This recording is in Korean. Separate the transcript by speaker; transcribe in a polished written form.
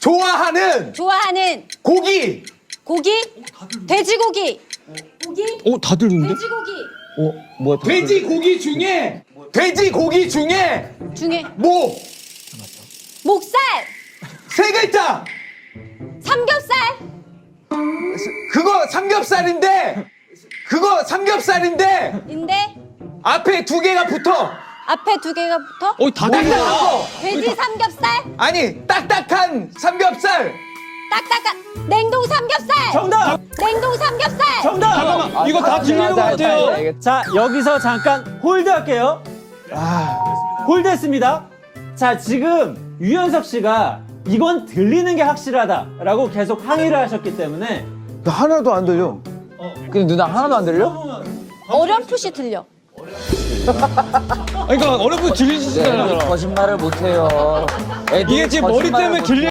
Speaker 1: 좋아하는 고기.
Speaker 2: 돼지고기.
Speaker 3: 다 들리는데?
Speaker 2: 돼지고기.
Speaker 3: 뭐야?
Speaker 1: 돼지고기 중에
Speaker 2: 중에 목살.
Speaker 1: 세 글자.
Speaker 2: 삼겹살.
Speaker 1: 그거 삼겹살인데
Speaker 2: 인데
Speaker 1: 앞에 두 개가 붙어.
Speaker 2: 앞에 두 개가 붙어.
Speaker 3: 다
Speaker 1: 딱딱한
Speaker 3: 들려.
Speaker 1: 거.
Speaker 2: 돼지 삼겹살.
Speaker 1: 아니 딱딱한 삼겹살.
Speaker 2: 딱딱한 냉동 삼겹살.
Speaker 4: 정답!
Speaker 2: 냉동 삼겹살.
Speaker 4: 정답!
Speaker 3: 잠깐만, 이거 다 들리는 것 같아요.
Speaker 4: 자, 여기서 잠깐 홀드 할게요. 홀드 했습니다. 자, 지금 유연석 씨가 이건 들리는 게 확실하다라고 계속 항의를 하셨기 때문에
Speaker 5: 나 하나도 안 들려.
Speaker 6: 근데 누나 하나도 안 들려?
Speaker 2: 어렴풋이 들려.
Speaker 3: 그러니까 어렵게 들리시잖아요.
Speaker 6: 거짓말을 못해요.
Speaker 3: 이게 지금 머리 때문에 들리